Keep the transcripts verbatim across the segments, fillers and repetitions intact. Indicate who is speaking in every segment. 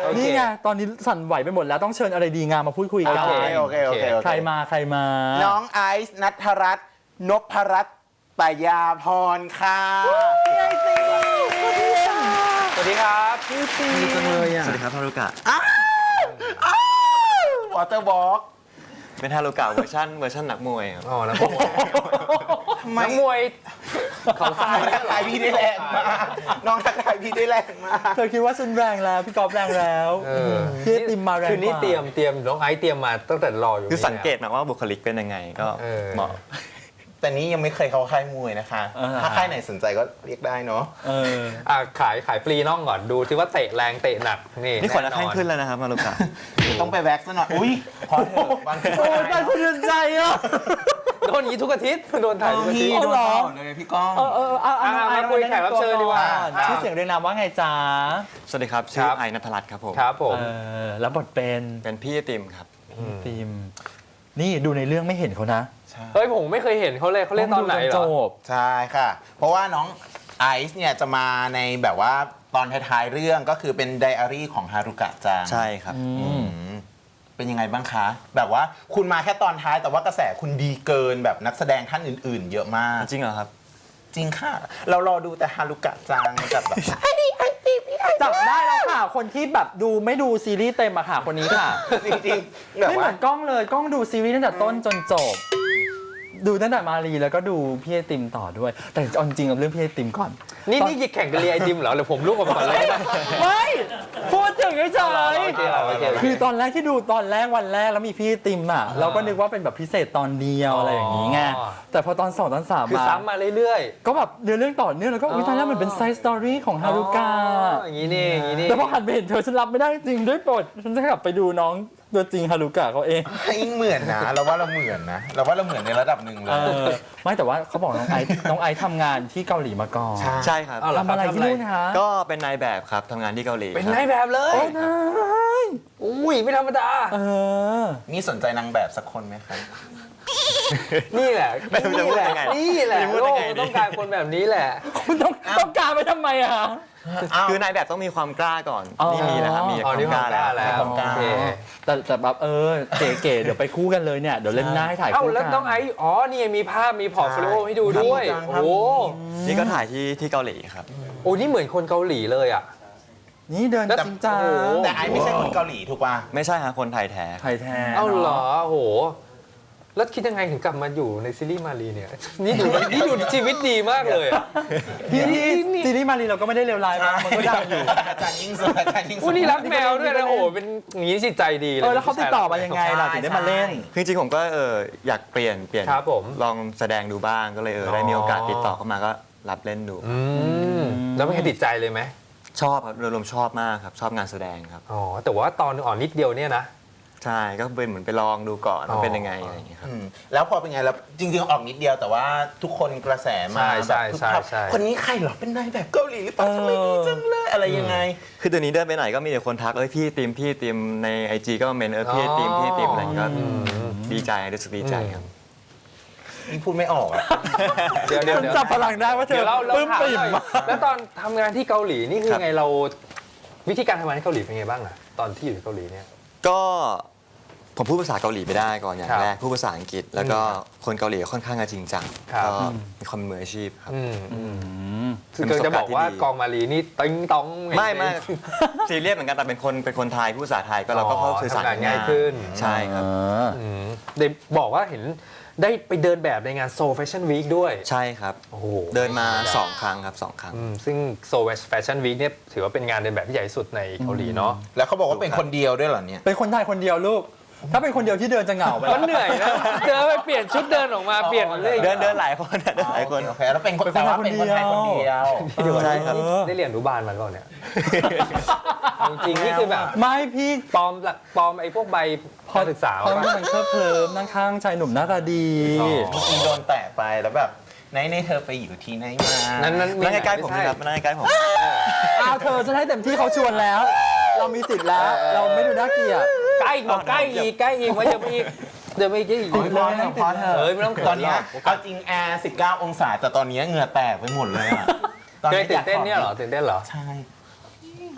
Speaker 1: นี่ไงตอนนี้สั่นไหวไปหมดแล้วต้องเชิญอะไรดีงามมาพูดคุยกัน
Speaker 2: โอเคโอเคโอเค
Speaker 1: ใครมาใครมา
Speaker 2: น้องไอซ์ณัฐรัตน์นพรัตน์ปยาพรค่ะสวัสดีครับพี่ตี
Speaker 3: ดีจังเลยอ่ะ สวัสดีครับฮารุกะ
Speaker 2: วอเตอร์บอล์ก
Speaker 3: เป็นฮารุกะเวอร์ชันเวอร์ชันนักมวยครับ
Speaker 4: อ๋อนักมวยนักมวยเขาทราย
Speaker 2: ทักทายพี่ได้แรงมากน้องทักทายพี่ได้แรงมาก
Speaker 1: เธอคิดว่าฉันแรงแล้วพี่กอล์ฟแรงแล้วพี่ติมมาแรงกว่า
Speaker 4: คือนี่เตรียมเตรียมน้องไอซ์เตรียมมาตั้งแต่รออยู่
Speaker 3: คือสังเกตนะว่าบุคลิกเป็นยังไงก็
Speaker 4: เออ
Speaker 3: เหมาะ
Speaker 2: แต่นี้ยังไม่เคยเข้าค่ายมวยนะคะ ถ้าค่ายไหนสนใจก็เรียกได้เนาะ
Speaker 1: เออ
Speaker 4: อ่ะขายขายฟรีน่องก่อนดูที่ว่าเตะแรงเตะหนักนี่
Speaker 3: นี่ขนนักแข้งขึ้นแล้วนะครับฮารุกะ
Speaker 2: ต้องไปแว็กซ์ซะหน่อยอุ้ยพอเถอะบางที
Speaker 1: โอ้ยได้สะเทือนใจอ่ะ
Speaker 4: โดนอย่างนี้ทุกอาทิตย์โดนถ่ายทุกอาทิ
Speaker 2: พี่
Speaker 4: ตย์
Speaker 2: โดนตลอดเลยพี่ก้อง
Speaker 1: เออเออเอาเอา
Speaker 4: อ่ะ
Speaker 1: เอา
Speaker 4: มาคุยแขกรับเชิญดีกว่า
Speaker 1: ชื่อเสียงเรียงนามว่าไงจ๊ะ
Speaker 3: สวัสดีครับ ชื่อไอนัทรัตน์ครับผม
Speaker 4: ครับผม
Speaker 1: เออแล้วบทเป็น
Speaker 3: เป็นพี่ไอติมครับ
Speaker 1: ติมนี่ดูในเรื่องไม่เห็นเขานะ
Speaker 4: เฮ้ยผมไม่เคยเห็นเขาเลยเขาเล่นตอนไหนเหร
Speaker 1: จ
Speaker 4: อบ
Speaker 2: ใช่ค่ะ เพราะว่าน้องไอซ์เนี่ยจะมาในแบบว่าตอนท้ายๆเรื่องก็คือเป็นไดอารี่ของฮารุกะจัง
Speaker 3: ใช่ครับ
Speaker 2: อืมเป็นยังไงบ้างคะ แบบว่าคุณมาแค่ตอนท้ายแต่ว่ากระแสคุณดีเกินแบบนักแสดงท่านอื่นๆ เยอะมาก
Speaker 3: จริงเหรอครับ
Speaker 2: จริงค่ะ เรารอดูแต่ฮารุกะจังกับแบบ
Speaker 1: จับได้แล้วค่ะ คนที่แบบดูไม่ดูซีรีส์เต็มอะค่ะคนนี้ค่ะ
Speaker 2: จริงๆแบบ
Speaker 1: ไม่เห
Speaker 2: ว่า
Speaker 1: มือนกล้องเลยกล้องดูซีรีส์ตั้งแต่ต้นจนจบ ดูตั้งแต่มารีแล้วก็ดูพี่ไอติมต่อด้วย แต่เอาจริงๆเอาเรื่องพี่ไอติมก่อน
Speaker 4: นี่นี่แข่งกันเรียไอติมเหรอหรือผมลูกออกมาก่อนเลยได้ไหม
Speaker 1: ไม่พูดถึงเฉย
Speaker 4: โอเคโอเค
Speaker 1: ๆคือตอนแรกที่ดูตอนแรกวันแรกแล้วมีพี่ไอติมอ่ะเราก็นึกว่าเป็นแบบพิเศษตอนเดียวอะไรอย่างนี้ไงแต่พอตอนสองตอนสาม
Speaker 4: คือ
Speaker 1: มา
Speaker 4: ซ้ำมาเรื่อย
Speaker 1: ก็แบบเนื้อเรื่องต่อเนื่องแล้วก็อุ้ยตอนแรกมันเป็นไซส์สตอรี่ของ
Speaker 4: ๆ
Speaker 1: ฮารุกะ
Speaker 4: อ๋ออย่างนี้นี่อย่างนี้นี่
Speaker 1: แต่พอหันไปเห็นเธอฉันรับไม่ได้จริงด้วยโปรดฉันจะกลับไปดูน้องตัวจริงฮารุกะเขาเอง
Speaker 2: ยิ่งเหมือนนะ เราว่าเราเหมือนนะ เราว่าเราเหมือนในระดับหนึ่งเล
Speaker 1: เอย อไม่แต่ว่าเขาบอกน้องไอซ์น้องไอซ์ทำงานที่เกาหลีมาก่อน
Speaker 2: ใช่
Speaker 3: ใช่ครับ
Speaker 4: เอาเหรอ
Speaker 1: ทำอะไรที่นู่นคะ
Speaker 3: ก็เป็นนายแบบครับทำงานที่เกาหลี
Speaker 4: เป็น
Speaker 3: ครับ
Speaker 4: นายแบบเลย
Speaker 1: โอ้นาย
Speaker 4: อุ้ยไม่ธรรมดา
Speaker 1: เออ
Speaker 2: นี่สนใจนางแบบสักคนไหมครับ
Speaker 4: นี่แหละ
Speaker 3: ไม่รู้จะพูดยังไง
Speaker 4: นี่แหละ
Speaker 3: ไม่รู้
Speaker 4: โล
Speaker 3: จะ
Speaker 4: ก
Speaker 3: ไง
Speaker 4: มัน
Speaker 3: ดี
Speaker 4: ต้องการคนแบบนี้แหละ
Speaker 1: คุณต้องต้องการไปทำไมอะคะ
Speaker 3: คือนายแบบต้องมีความกล้าก่อน
Speaker 1: อ๋อ
Speaker 3: นี่มีแล้วครับมี
Speaker 4: อ๋
Speaker 3: ค
Speaker 4: อ
Speaker 3: วาม
Speaker 4: นี่
Speaker 3: กล้าแล้ว
Speaker 4: แล้ว
Speaker 2: ความกล้า
Speaker 4: โอเค
Speaker 1: แต่แต่แบบเออเก๋ๆเดี๋ยวไปคู่กันเลยเนี่ยเดี๋ยวเล่นหน้าให้ถ่าย
Speaker 4: เอ้า
Speaker 1: คู่
Speaker 4: แล้ว
Speaker 1: กัน
Speaker 4: น้องไอซ์อ๋อนี่มีภาพมีพอร์ตโฟลิโอให้ดูด้วย
Speaker 2: ใช่
Speaker 4: โอ้โห
Speaker 3: นี่ก็ถ่ายที่ที่เกาหลีครับ
Speaker 4: โอ้นี่เหมือนคนเกาหลีเลยอ่ะ
Speaker 1: นี่เดิน
Speaker 4: แล้ว
Speaker 1: จริงจัง
Speaker 4: โอ้โห
Speaker 2: แต่ไอซ์ไม่ใช่คนเกาหลีถูกป่ะ
Speaker 3: ไม่ใช่ฮะคนไทยแท้
Speaker 1: ไทยแท้
Speaker 4: เอ้าเหรอ
Speaker 1: นะ
Speaker 4: โอ้โหแล้วคิดยังไงถึงกลับมาอยู่ในซีรีส์มารีเนี่ยนี่ดูนี่ดูชีวิตดีมากเลยอะ
Speaker 1: พี่ที่ซีรีส์มารีเราก็ไม่ได้เลวร้ายมากมันก็ดังอยู่
Speaker 2: อาจารย์ยิ่งสุดอาจารย์ยิ่งสุ
Speaker 4: อู้
Speaker 2: ด
Speaker 4: นี่รักแมวด้วยนะโอ้โหเป็นอย่างนี้จิตใจดีเลย
Speaker 1: เออแล้วเขาติดต่อมายังไงล่ะถึงได้มาเล่น
Speaker 3: คือจริงๆผมก็เอออยากเปลี่ยนเปลี่ยน
Speaker 4: ครับผม
Speaker 3: ลองแสดงดูบ้างก็เลยเออ
Speaker 4: อ๋อ
Speaker 3: ได้มีโอกาสติดต่อเข้ามาก็รับเล่นดู
Speaker 4: อืมแล้วไม่เคยติดใจเลยไหม
Speaker 3: ชอบครับโดยรวมชอบมากครับ ชอบงานแสดงครับ
Speaker 4: อ๋อแต่ว่าตอนอ่อนนิดเดียวเนี่ยนะ
Speaker 3: ใช่ก็เป็นเหมือนไปลองดูก่อนว่าเป็นยังไงอะไรอย่างเงี้ยครับ
Speaker 2: อืมแล้วพอเป็นไงแล้วจริงๆออกนิดเดียวแต่ว่าทุกคนกระแสมา
Speaker 4: ใช่ใช่
Speaker 2: แบบ
Speaker 4: ใช่ใช่
Speaker 2: คนนี้ใครเหรอเป็นนายแบบเกาหลีหรือเปล่าทำไมดีจังเลยอะไรยังไง
Speaker 3: คือตัวนี้เดินไปไหนก็มีแต่คนทักเอ้ยพี่ติมพี่ติมในไอจีก็เมนเออพี่ติมพี่ติมอะไรอย่างเงี้ยก็ดีใจรู้สึกดีใจครับ
Speaker 2: นี่พูดไม่ออกอะ
Speaker 4: เดี๋ยวเดี๋ยว
Speaker 1: ฉัน
Speaker 4: เดี๋ยว
Speaker 1: จับพลังได้ว่าเธ
Speaker 4: เดี๋
Speaker 1: อ
Speaker 4: ยวเราเรา
Speaker 1: ปลื้ม
Speaker 4: ถาม
Speaker 1: ปิ่ม
Speaker 4: หน่อย
Speaker 1: มาก
Speaker 4: แล้วตอนทำงานที่เกาหลีนี่คือ
Speaker 3: ครับ
Speaker 4: ไงเราวิธีการทำงานที่เกาหลีเป็นไงบ้างอะตอนที่อยู่ที่เกาหลีเนี่ย
Speaker 3: ก็ผมพูดภาษาเกาหลีไม่ได้ก่อนอย่าง
Speaker 4: ครับ
Speaker 3: แรกพูดภาษาอังกฤษ แล้วก็คนเกาหลีค่อนข้างจะจริงจัง
Speaker 4: ครับ
Speaker 3: ก็มีความเป็นมืออาชีพครับ
Speaker 4: อืม
Speaker 1: อืม
Speaker 4: คือเกิดจะบอกว่ากองมารีนี่ติ้งต้อง
Speaker 3: ไม่ไม่ซีเรียสเหมือนกันแต่เป็นคนเป็นคนไทยพูดภาษาไทยก็เราก็เข้าสื่อสาร
Speaker 4: ทำงานง่ายขึ้น
Speaker 3: ใช่ครับ
Speaker 4: อืมได้บอกว่าเห็นได้ไปเดินแบบในงานโซแฟชั่นวีคด้วย
Speaker 3: ใช่ครับ
Speaker 4: โอ้โห
Speaker 3: เดินมาสองครั้งครับสองครั้ง
Speaker 4: อืมซึ่งโซแฟชั่นวีคเนี่ยถือว่าเป็นงานเดินแบบที่ใหญ่ที่สุดในเกาหลีเนาะ
Speaker 2: แล้วเขาบอกว่าเป็นคนเดียวด้วยเหรอเนี่ย
Speaker 1: เป็นคนไทยคนเดียวลูก ถ้าเป็นคนเดียวที่เดินจะเหงาไป
Speaker 4: มันเหนื่อยนะเจอไปเปลี่ยนชุดเดินออกมาเปลี่ยนเลย
Speaker 3: เดินเดินหลายคนอะเดินหลายคน
Speaker 2: โอเคแล้วเป็นคนแต่ว่าเป็นคนไทยคนเดียว
Speaker 4: เดี๋ยว
Speaker 3: ใช่ครับ
Speaker 4: ได้เรียนอนุบาลมาหรือเปล่าเนี่ยจริงๆนี่คือแบบ
Speaker 1: ไม่พี่
Speaker 4: ปลอมหลักปลอมไอ้พวกใบพอศึกษา
Speaker 1: เพราะ
Speaker 4: มา
Speaker 1: มันเคลิบเคลิ้มนั่งข้างชายหนุ่มหน้าตาดี
Speaker 4: อ๋อ
Speaker 2: เมื่อกี้โดนแตะไปแล้วแบบไหนในเธอไปอยู่ที่ไหนมา
Speaker 4: นั้นนั้น
Speaker 3: นั่งใกล้ๆผมนะครับนั่งใกล้ๆผม
Speaker 1: อ้าวเธอฉันให้เต็มที่เขาชวนแล้ว เรามีสิทธิ์แล้ว เราไม่ดูน่าเกลียด
Speaker 4: ใกล้อีกบอกใกล้อีกใกล้อีกว่าจะไปอีกเดี๋ยวไปอีกอีก
Speaker 2: โอ้ยพอเถอะพอเถอะ
Speaker 4: เฮ้ยไม่ต้องเขิน
Speaker 2: ตอนเนี้ย
Speaker 4: หรอก
Speaker 2: เอาจริงแอร์สิบเก้าองศาแต่ตอนเนี้ยเหงื่อแตกไปหมดเลยอะตอน
Speaker 4: เคย
Speaker 2: นี้
Speaker 4: ตื่นเต้นเนี่ยเหรอตื่นเต้นเหรอ
Speaker 2: ใช่
Speaker 1: พ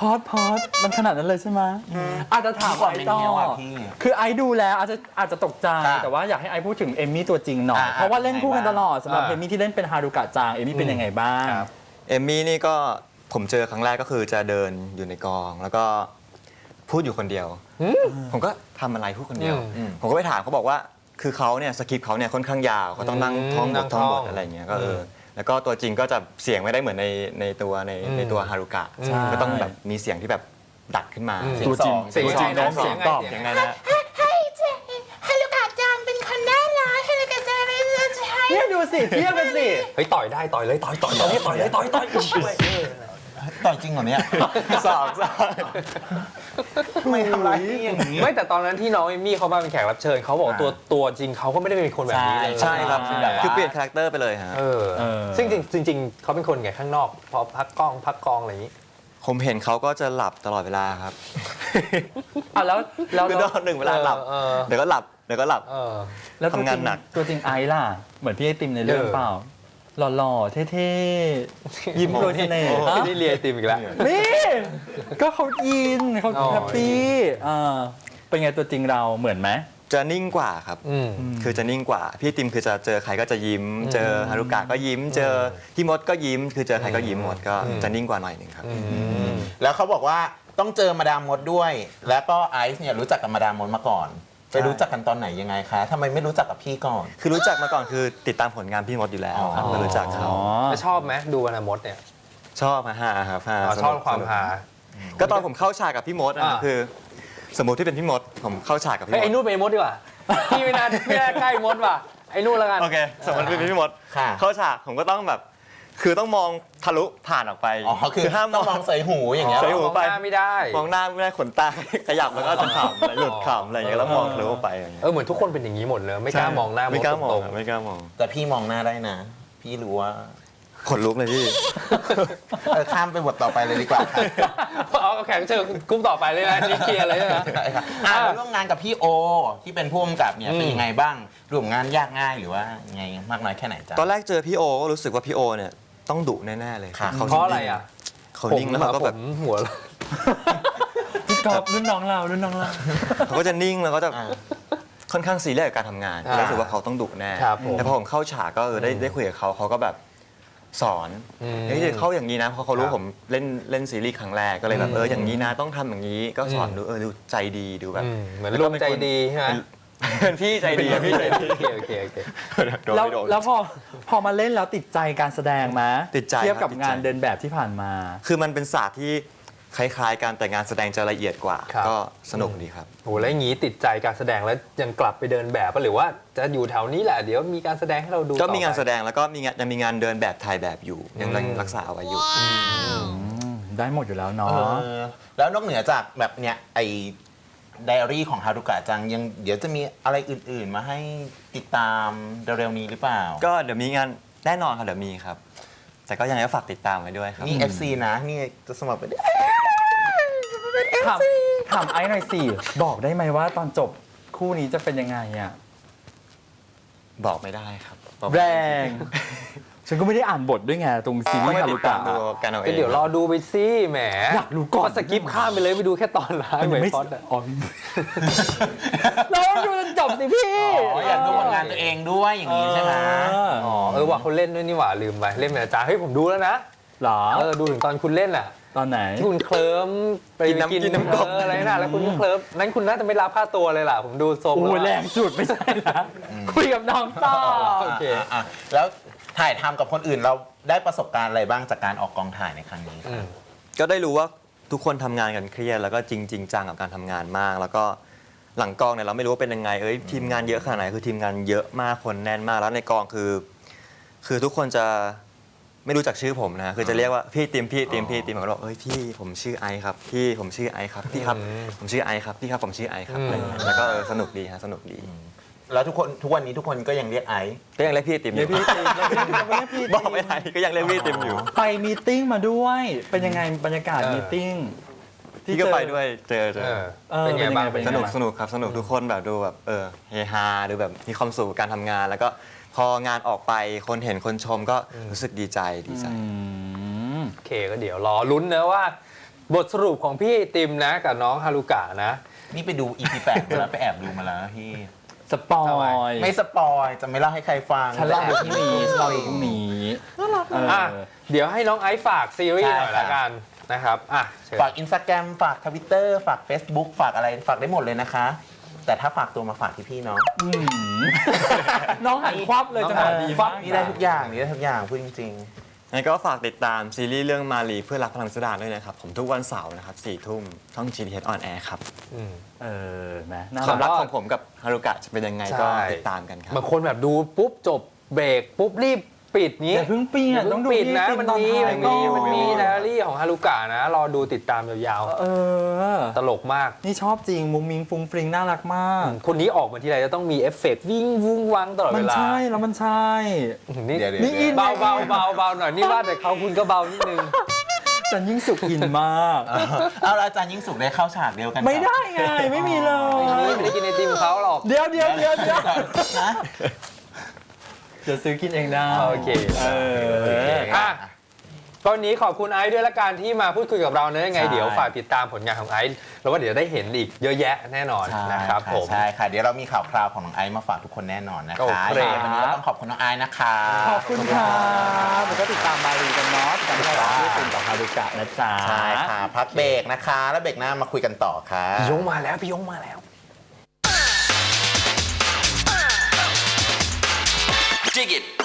Speaker 1: อดพอดมันขนาดนั้นเลยใช่ไหมอาจจะถาม
Speaker 2: ก่อน
Speaker 1: ไอ
Speaker 2: เป็น
Speaker 1: ต่อ
Speaker 2: เงี้ยว่ะพี่
Speaker 1: คือไอดูแล้วอาจจะอาจจะตกใจ
Speaker 2: ค่ะ
Speaker 1: แต่ว่าอยากให้ไอพูดถึงเอมมี่ตัวจริงหน่อย
Speaker 2: อ่า
Speaker 1: เพราะว่าเล่นคู่กันตลอดสำหรับ
Speaker 4: อ่า
Speaker 1: เอมมี่ที่เล่นเป็นฮารุกะจังเอมมี่เป็นยังไงบ้าง
Speaker 4: ครับ
Speaker 3: เอมมี่นี่ก็ผมเจอครั้งแรกก็คือจะเดินอยู่ในกอง แล้วก็พูดอยู่คนเดียว ผมก็ทำอะไรพูดคนเดียว
Speaker 4: อืม
Speaker 3: ผมก็ไปถามเขาบอกว่า คือเขาเนี่ยสคริปต์เขาเนี่ยค่อนข้างยาวเขาต้องนั่ง
Speaker 4: อืม
Speaker 3: ท่องบ
Speaker 4: นั่
Speaker 3: ท
Speaker 4: ง
Speaker 3: ท่องบ
Speaker 4: ท่
Speaker 3: ท
Speaker 4: อง
Speaker 3: อะไรอย่างเงี้ยก็เออ
Speaker 4: อืม
Speaker 3: แล้วก็ตัวจริงก็จะเสียงไม่ได้เหมือนในในตัวใน
Speaker 4: อืม
Speaker 3: ในตัวฮารุกะ
Speaker 4: ใช่
Speaker 3: ก็ต้องแบบมีเสียงที่แบบดัดขึ้นมา
Speaker 4: อืม
Speaker 2: เสียงสอง
Speaker 4: เสียง
Speaker 1: ตัวจริง
Speaker 4: สอง
Speaker 1: น้อง
Speaker 4: เสียง
Speaker 1: ตอบ
Speaker 4: เสียง
Speaker 3: ยังไงนะ
Speaker 5: ให้เจฮารุกะจังเป็นคนน่ารักฮารุกะจังเป็นคนใช้
Speaker 1: เนี่ยดูสิเทียบกันสิ
Speaker 4: เฮ้ยต่อยได้ต่อยเลยต่อยต่อยต่อยต่อยเลยต่อยต่อย
Speaker 2: ต่อยจริงเหรอเนี่ย
Speaker 3: สอบสอบ
Speaker 2: ทำไมทำร้ายพี่อย่างนี้
Speaker 4: ไม่แต่ตอนนั้นที่น้องเอมมี่เขามาเป็นแขกรับเชิญเขาบอกว่าตัวตัวจริงเขาก็ไม่ได้เป็นคนแบบนี้เลย
Speaker 3: ใช่ครับ
Speaker 2: ใช่แบบว่า
Speaker 3: คือเปลี่ยนคาแรคเตอร์ไปเลยฮะ
Speaker 4: เออ
Speaker 1: เออ
Speaker 4: ซึ่งจริงจริงๆเขาเป็นคนไงข้างนอกพอพักกล้องพักกองอะไรอย่างนี้
Speaker 3: ผมเห็นเขาก็จะหลับตลอดเวลาครับ
Speaker 1: อ่ะแล้วแล้ว
Speaker 3: คือตอนหนึ่งเวลาหลับ
Speaker 4: เออ
Speaker 3: เดี๋ยวก็หลับเดี๋ยวก็หลับ
Speaker 4: เออ
Speaker 1: แล้วตัวจ
Speaker 3: ทำงา
Speaker 1: ริ
Speaker 3: นหนัก
Speaker 1: ตัวจริงไอซ์ล่ะ เหมือนพี่ไอติมในเรื่อง
Speaker 4: เออ
Speaker 1: เปล่า หล่อๆ เท่ๆ ยิ้มโปรยเสน่ห์
Speaker 3: โอ้
Speaker 1: ฮะ
Speaker 4: ไม่ได้เรียนไอติมอีกแล้ว
Speaker 1: นี่ ก็เขาอินเขา
Speaker 4: อ๋อ
Speaker 1: แฮปปี้อ่าเป็นไงตัวจริงเราเหมือนไหม
Speaker 3: จะนิ่งกว่าครับ
Speaker 4: อืม
Speaker 3: คือจะนิ่งกว่า พี่ติมคือจะเจอใครก็จะยิ้ม เจอฮารุกะก็ยิ้ม เจอพี่มดก็ยิ้ม คือเจอใครก็ยิ้มหมดก็
Speaker 4: อืม
Speaker 3: จะนิ่งกว่าหน่อยหนึ่งครับ
Speaker 2: แล้วเขาบอกว่าต้องเจอมาดามมดด้วย แล้วก็ไอซ์เนี่ยรู้จักกับมาดามมดมาก่อน ไปรู้จักกันตอนไหนยังไงคะทำไมไม่รู้จักกับพี่ก่อน
Speaker 3: คือรู้จักมาก่อนคือติดตามผลงานพี่มดอยู่แล้วครับ
Speaker 2: อ๋อ
Speaker 3: ก็รู้จักเขา
Speaker 1: อ๋อ
Speaker 4: แล้วชอบไหมดูอนาคตเนี่ย
Speaker 3: ชอบฮะฮาครับฮา
Speaker 4: อ๋อ
Speaker 3: สนุก
Speaker 4: ชอบความ
Speaker 3: สนุก
Speaker 4: ฮา
Speaker 3: ก็ตอนผมเข้าฉากกับพี่มดอะ
Speaker 4: อ่า
Speaker 3: คือ สมมติที่เป็นพี่มดผมเข้าฉากกับพี่
Speaker 4: เฮ้ย
Speaker 3: ม
Speaker 4: ไอ้
Speaker 3: ด
Speaker 4: นู่นเป็นไอ้มดดีกว่า พี่ไม่น่าไม่น่าใกล้มดว่ะไอ้นู่นแล้วกัน
Speaker 3: โอเคสมมติเป็นพี่มด
Speaker 2: ค่ะ
Speaker 3: เข้าฉากผมก็ต้องแบบ คือต้องมองทะลุผ่านออกไป
Speaker 2: อ๋อคือ
Speaker 3: ห้าม
Speaker 2: ต้องมองใส่หูอย่างเงี้ย
Speaker 3: ใส่หู
Speaker 4: มองหน้าไม่ได้
Speaker 3: มองหน้าไม่ได้ขนตา ขยับแล้วก็จะขำอะไรหลุดขำอะไรอย่างเงี้ยแล้วมองทะลุออกไปอย่างเงี้ย
Speaker 4: เออเหมือนทุกคนเป็นอย่างนี้หมดเลยไม่กล้ามองหน้ามด
Speaker 3: ไม่กล้ามอง
Speaker 4: ตรง
Speaker 3: อะไม่กล้ามอง
Speaker 2: แต่พี่มองหน้าได้นะ พี่รู้ว่า
Speaker 3: ขนลุกเลยพี่
Speaker 2: เออข้ามไปบทต่อไปเลยดีกว่าค่ะ
Speaker 4: ๆเอาเอาแขกรับเชิญกรุ๊ปต่อไปเลยนะนี่เคลียร์เลยนะ
Speaker 2: ใช่ค่ะอ่ะแล้วร่วมงานกับพี่โอ ที่เป็นผู้กำกับเนี่ย
Speaker 4: อืม
Speaker 2: เป็นยังไงบ้างร่วมงานยากง่ายหรือว่ายังไงมากน้อยแค่ไหนจ๊ะ
Speaker 3: ตอนแรกเจอพี่โอก็รู้สึกว่าพี่โอเนี่ยต้องดุแน่ๆเลย
Speaker 2: ค่ะ
Speaker 3: เขา
Speaker 4: เพราะอะไรอ่ะ
Speaker 3: เขานิ่งแล้วเขาก็แบบ
Speaker 4: ผมหัว
Speaker 1: พี่กอฟรุ่นน้องเรารุ่นน้องเรา
Speaker 3: เขาก็จะนิ่งแล้วก็จะ
Speaker 2: อ่า
Speaker 3: ค่อนข้างซีเรียสกับการทำงาน
Speaker 4: อ่า
Speaker 3: รู้สึกว่าเขาต้องดุแน่
Speaker 4: ครับผม
Speaker 3: แต่พอผมเข้าฉากก็เออได้ได้คุยกับเขาเขาก็แบบสอน
Speaker 4: อืม
Speaker 3: เฮ้ยเข้าอย่างนี้นะเพราะเขารู้
Speaker 4: ครับ
Speaker 3: ผมเล่นเล่นซีรีส์ครั้งแรกก็เลยแบบ
Speaker 4: อืม
Speaker 3: เอออย่างนี้นะต้องทำอย่างนี้ก็สอน
Speaker 4: อืม
Speaker 3: ดูเออดูใจดีดูแบบ
Speaker 4: อืมเหมือนรวมใจดีใช่ไหม
Speaker 3: เป็นพี่ใจดีอะพี่ใจดี
Speaker 4: โอเคโอเคโอเค
Speaker 3: โดน
Speaker 1: แล้ว
Speaker 3: ไม่โดน
Speaker 1: แล้วพอพอมาเล่นแล้วติดใจการแสดงไหม
Speaker 3: ติดใจ
Speaker 1: เทียบกับ
Speaker 3: ครับติดใจ
Speaker 1: งานเดินแบบที่ผ่านมา
Speaker 3: คือมันเป็นศาสตร์ที่คล้ายๆกันแต่งานแสดงจะละเอียดกว่า
Speaker 4: ครับ
Speaker 3: ก็สนุกดีครับ
Speaker 4: โหแล้วอย่างนี้ติดใจการแสดงแล้วยังกลับไปเดินแบบปะหรือว่าจะอยู่แถวนี้แหละเดี๋ยวมีการแสดงให้เราดู
Speaker 3: ก็มีงาน
Speaker 4: ต่อ
Speaker 3: แส
Speaker 4: ไป
Speaker 3: ดงแล้วก็มีงานยังมีงานเดินแบบถ่ายแบบอยู่ ยัง
Speaker 4: อืม
Speaker 3: รักษาเอาไว้อยู่
Speaker 1: อืมได้หมดอยู่แล้วเนาะ
Speaker 2: เออแล้วนอกเหนือจากแบบเนี้ยไอไดอารี่ของฮารุกะจังยังเดี๋ยวจะมีอะไรอื่นๆ มาให้ติดตามเร็วๆนี้หรือเปล่า
Speaker 3: ก็เดี๋ยวมีงานแน่นอนครับเดี๋ยวมีครับ แต่ก็ยังไงก็ฝากติดตามไว้ด้วยครับ
Speaker 2: นี่ เอฟ ซี นะ นี่จะสมัครไปน
Speaker 1: ถามถามไอซ์หน่อยสิ บอกได้ไหมว่าตอนจบคู่นี้จะเป็นยังไงอ่ะ
Speaker 3: บอกไม่ได้ครับบอก
Speaker 1: แรง ฉันก็ไม่ได้อ่านบทด้วยไง ตรงซีรี
Speaker 3: ต้อง
Speaker 1: ส์
Speaker 3: ไป
Speaker 1: ฮา
Speaker 3: ติ
Speaker 1: รุ
Speaker 3: ดตาก
Speaker 1: ะ
Speaker 3: มดูกันเอาเอ
Speaker 4: ก็
Speaker 3: ง
Speaker 4: เดี๋ยวรอดูไปสิแหม
Speaker 1: อยากรู้ก่อน
Speaker 4: สกิปข้ามไปเลยไปดูแค่ตอนร้าย
Speaker 1: มัน
Speaker 4: เหมื
Speaker 1: ยั
Speaker 4: อง น
Speaker 1: ไม่
Speaker 4: พอดอะ
Speaker 1: อ๋อเราต้องดูจนจบสิพี่
Speaker 2: อ๋ออยากดูผลงานตัวเองด้วยอย่างนี้ใช่ไหม
Speaker 1: เออ
Speaker 4: อ๋อเออว่าเขาเล่นด้วยนี่หว่าลืมไปเล่นเป็นอาจารย์เฮ้ยผมดูแล้วนะ
Speaker 1: เหรอ
Speaker 4: เออดูถึงตอนคุณเล่นอ่ะ
Speaker 1: ตอนไหน
Speaker 4: ที่คุณเคลิ้มไป
Speaker 3: กินน้ำกินน้ำกบ
Speaker 4: เอออะไรน่ะแล้วคุณก็เคลิ้มนั้นคุณน่าจะไม่รับค่าตัวเลยล่ะผมดูทรง
Speaker 1: โอ้ย
Speaker 4: ล้ว
Speaker 1: แรงสุดไม่ใช่นะคุยกับน้องต่อ
Speaker 4: โอเค
Speaker 2: อ่ะอ่ะแล้วถ่ายทำกับคนอื่นเราได้ประสบการณ์อะไรบ้างจากการออกกองถ่ายในครั้งนี้
Speaker 4: อืม
Speaker 3: ก็ได้รู้ว่าทุกคนทำงานกันเครียดแล้วก็จริงจริงจังกับการทำงานมาก แล้วก็หลังกองเนี่ยเราไม่รู้ว่าเป็นยังไงเอ้ยทีมงานเยอะขนาดไหนคือทีมงานเยอะมากคนแน่นมากแล้วในกองคือ คือทุกคนจะไม่รู้จักชื่อผมนะคือจะเรียกว่าพี่ติมพี่ติมพี่ติมผมก็บอกเอ้ยพี่ผมชื่อไอซ์ครับพี่ผมชื่อไอซ์ครับพี่ครับ
Speaker 4: อืม
Speaker 3: ผมชื่อไอซ์ครับพี่ครับผมชื่อไอซ์ครับ
Speaker 4: อืม
Speaker 3: อะไรอย่างเงี้ยแล้วก็เออสนุกดีฮะสนุกดี
Speaker 2: แล้วทุกคนทุกวันนี้ทุกคนก็ยังเรียกไอซ์
Speaker 3: ก็ยังเรียกพี่ติมอ
Speaker 1: เดี๋ยว
Speaker 3: ยู่
Speaker 1: พี่ติมเดี๋ยวพี่ติมเดี๋ยวพี่ติม
Speaker 3: บอกไม่ได้ก็ยังเรียกพี่ติมอยู่
Speaker 1: ไปมีตติ้งมาด้วย เป็นยังไงบรรยากาศ
Speaker 4: เออ
Speaker 1: มีตติ้ง
Speaker 3: พี่ก็ไปด้วยเจอเจ
Speaker 4: เอ
Speaker 3: อ
Speaker 4: อ
Speaker 1: เออ
Speaker 4: เป็นไงบ้าง
Speaker 1: เป็น
Speaker 3: ส
Speaker 1: ยังไง
Speaker 3: นุกสนุกครับสนุกทุกคนแบบดูแบบเออเฮฮาดูแบบมีความสุขกับการทำงาน แล้วก็พองานออกไปคนเห็นคนชมก็รู้สึกดีใจดีใจ
Speaker 1: อืม
Speaker 4: โอเคก็เดี๋ยวรอลุ้นนะว่าบทสรุปของพี่ไอติมนะกับน้องฮารุกะนะ
Speaker 2: นี่ไปดู อี พี แปดมาแล้วไปแอบดูมาแล้วนะพี่
Speaker 1: สปอ
Speaker 4: ทำไม
Speaker 1: ย
Speaker 2: ไม่สปอยจะไม่เล่าให้ใครฟัง
Speaker 1: ฉันเล่าดูพรุ่งนี้ฉันเล่าดูพรุ่งนี้เออ
Speaker 4: อ่ะเดี๋ยวให้น้องไอซ์ฝากซีรีส์หน่อยละกันนะครับอ่ะเชิญ
Speaker 2: ฝากอินสตาแกรมฝากทวิตเตอร์ฝาก Facebook ฝากอะไรฝากได้หมดเลยนะคะ แต่ถ้าฝากตัวมาฝากที่พี่เนาะ
Speaker 1: อืมน้องหันควับเลยจังหวะดีมาก
Speaker 2: นี่ได้ทุกอย่างนี่ได้ทุกอย่างพูดจริง
Speaker 3: งั้นก็ฝากติดตามซีรีส์เรื่องมาลีเพื่อรักพลังสุดาด้วยนะครับผมทุกวันเสาร์นะครับสี่ทุ่มช่อง จี ที เอส On Air ครับ
Speaker 4: อืม
Speaker 1: เออแหมน่า
Speaker 3: ความ
Speaker 1: รั
Speaker 3: รั
Speaker 1: ก
Speaker 3: กของผมกับฮารุกะจะเป็นยังไงก็
Speaker 4: ใช่
Speaker 3: ติดตามกันครับ
Speaker 4: บางคนแบบดูปุ๊บจบเบรกปุ๊บรีบปิดงี้
Speaker 1: อย่าเพิ่งปีน
Speaker 4: อย่า
Speaker 1: ต้
Speaker 4: เพิ่
Speaker 1: อง
Speaker 4: ง
Speaker 1: ดู
Speaker 4: ปิดนะ
Speaker 1: ที่
Speaker 4: มัน
Speaker 1: ตอน
Speaker 4: มี
Speaker 1: ท้าย
Speaker 4: มันมี
Speaker 1: ก่อน
Speaker 4: มันมีไดอารี่ของฮารุกะนะรอดูติดตามยาว
Speaker 1: เออ
Speaker 4: ๆ ตลกมาก
Speaker 1: นี่ชอบจริงมุ้งมิงฟุ้งฟริงน่ารักมาก
Speaker 4: คนนี้ออกมาทีไรจะต้องมีเอฟเฟกต์วิ่งวุ้งวังตลอด
Speaker 1: มั
Speaker 4: เวน ลา
Speaker 1: ใช่แล้วมันใช่
Speaker 4: นี่
Speaker 2: เดี๋ยวๆ
Speaker 1: นี่อิน
Speaker 4: เบาเบาเบาเบาหน่อยนี่ว่าแต่เขาคุณก็เบานิดนึง
Speaker 1: จันยิ่งสุขอินมาก
Speaker 2: ๆ เอาแล้วอาจารย์ยิ่งสุขได้เข้าฉากเดียวกัน
Speaker 1: ไม่ได้ไงไม่มีเล
Speaker 4: นี่
Speaker 1: ย
Speaker 4: ไม่ได้กินไอติมเขาหรอก
Speaker 1: เดี๋ยวเดี๋ยวเดี๋ยวเดี๋ยว
Speaker 2: นะ
Speaker 1: เดี๋ยวซื้อกินเองได้
Speaker 4: โอเค
Speaker 1: เออ
Speaker 4: อ่ะตอนนี้ขอบคุณไอซ์ด้วยละกันที่มาพูดคุยกับเราเนอะยังไง
Speaker 2: ใช่
Speaker 4: เดี๋ยวฝากติดตามผลงานของไอซ์แล้วว่าเดี๋ยวได้เห็นอีกเยอะแยะแน่นอน
Speaker 2: ใช่
Speaker 4: นะครับผม
Speaker 2: ใช่ค่ะ เดี๋ยวเรามีข่าวคราวของน้องไอซ์มาฝากทุกคนแน่นอนนะ
Speaker 4: โอ
Speaker 2: คะ
Speaker 4: เค
Speaker 2: วันนี้ก็ต้องขอบคุณน้องไอซ์นะคะ
Speaker 1: ขอบคุณครับแล้วก็ติดตามมารีกันเนาะติดตามเราที่ตื่นต่อฮารุกะนะจ๊ะ
Speaker 2: ใช่ค่ะ พักเบรกนะคะ แล้วเบรกหน้ามาคุยกันต่อค่ะ
Speaker 4: พี่ยงมาแล้วพี่ยงมาแล้ว
Speaker 6: Dig it.